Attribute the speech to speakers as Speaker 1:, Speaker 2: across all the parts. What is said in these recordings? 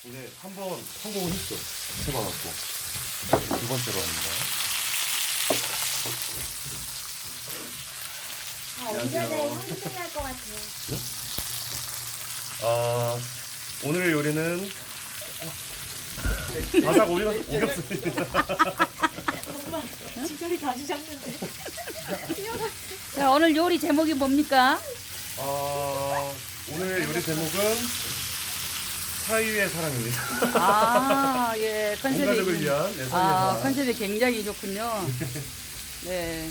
Speaker 1: 근데 한 번 성공을 했어. 해봐갖고 두 번째로 합니다.
Speaker 2: 언제든 힘들할 것 같아요.
Speaker 1: 오늘의 요리는 바삭 오겹살입니다.
Speaker 2: 엄마, 진짜리 다시 잡는데.
Speaker 3: 자, 오늘 요리 제목이 뭡니까?
Speaker 1: 오늘의 요리 제목은 사위의 사랑입니다.
Speaker 3: 아, 예,
Speaker 1: 온 가족을 위한 사위의 사랑.
Speaker 3: 컨셉이 굉장히 좋군요. 네.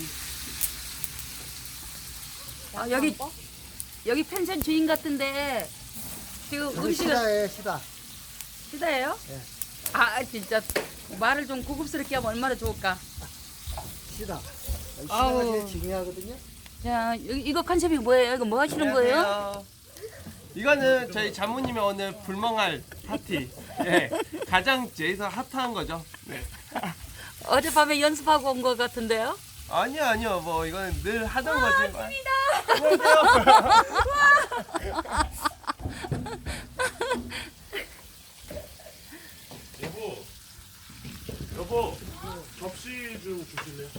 Speaker 3: 아, 여기 펜션 주인 같은데 지금 음식을
Speaker 4: 시다예요, 시다.
Speaker 3: 시다예요?
Speaker 4: 예.
Speaker 3: 아, 진짜 말을 좀 고급스럽게 하면 얼마나 좋을까?
Speaker 4: 시다.
Speaker 3: 아우.
Speaker 4: 시다가 제일 중요하거든요.
Speaker 3: 자, 이거 컨셉이 뭐예요? 이거 뭐 하시는 거예요?
Speaker 5: 안녕하세요. 이거는 저희 장모님의 오늘 불멍할 파티. 예, 가장 제일 핫한 거죠. 네.
Speaker 3: 어젯밤에 연습하고 온 것 같은데요?
Speaker 5: 아니요, 뭐 이거는 늘 하던 거지.
Speaker 3: 찐이다.
Speaker 1: 여보, 접시 좀 주실래요?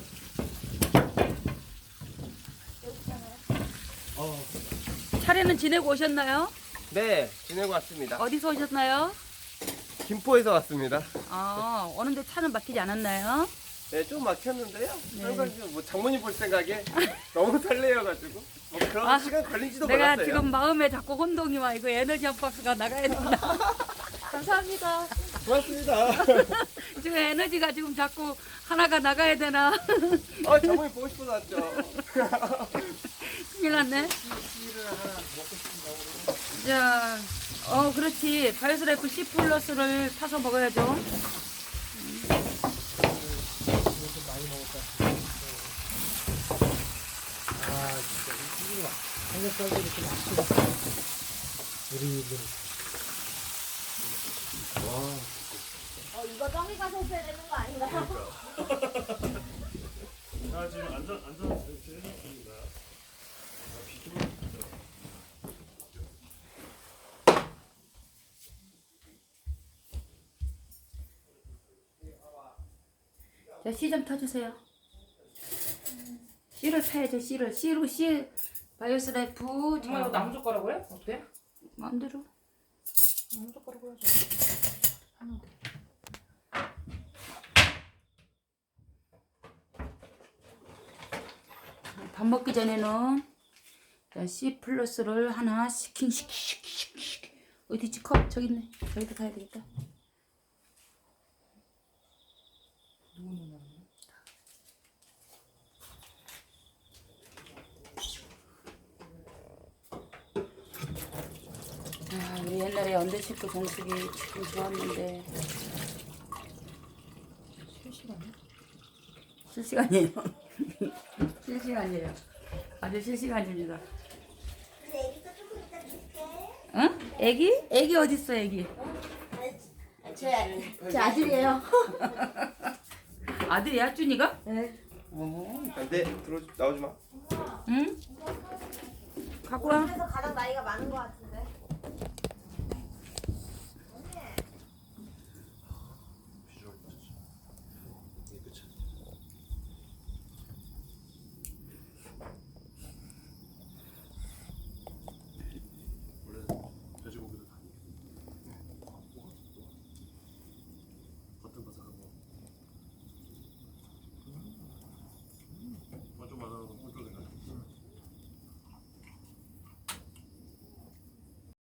Speaker 3: 차례는 지내고 오셨나요?
Speaker 5: 네, 지내고 왔습니다.
Speaker 3: 어디서 오셨나요?
Speaker 5: 김포에서 왔습니다.
Speaker 3: 아, 오는데 차는 막히지 않았나요?
Speaker 5: 네, 좀 막혔는데요. 항상 뭐 장모님 볼 생각에 너무 설레여가지고 뭐 그런
Speaker 3: 아,
Speaker 5: 시간 걸린지도
Speaker 3: 내가
Speaker 5: 몰랐어요.
Speaker 3: 지금 마음에 자꾸 혼동이 와. 이거 에너지 한 박스가 나가야 된다. 감사합니다.
Speaker 5: 고맙습니다.
Speaker 3: 지금 에너지가 지금 자꾸 하나가 나가야 되나?
Speaker 5: 장모님 보고 싶어서 왔죠.
Speaker 3: 큰일 났네. 자, 그렇지. 바이오스라이프 C 플러스를 타서 먹어야죠.
Speaker 4: 아, 진짜. 이거 삼겹살도 이렇게 맛있게 우리
Speaker 2: 이거 떡이 가서 해야 되는 거 아닌가요?
Speaker 1: 자, 지금 안전 설치 해줬습니다.
Speaker 3: 자, C 좀 타주세요. C를 타야죠, C를. C 바이오스라이프.
Speaker 6: 엄마 이거 나무젓가락으로 해? 어때?
Speaker 3: 마음대로.
Speaker 6: 나무젓가락으로 해줘.
Speaker 3: 밥 먹기 전에는 자, C 플러스를 하나 시킹. 어디 있지? 컵 저기 있네. 저기도 가야 되겠다. 아, 우리 옛날에 언더식구 정수기 참 좋았는데. 실시간이에요. 실시간이에요. 아주 실시간입니다.
Speaker 2: 애기도 조금 이따 줄게.
Speaker 3: 응? 애기? 애기 어딨어, 애기?
Speaker 2: 제 아들이에요.
Speaker 3: 아들이야, 준이가?
Speaker 2: 네.
Speaker 5: 네, 나오지 마.
Speaker 3: 응? 갖고 와.
Speaker 2: 그래서 가장 나이가 많은 것 같은데.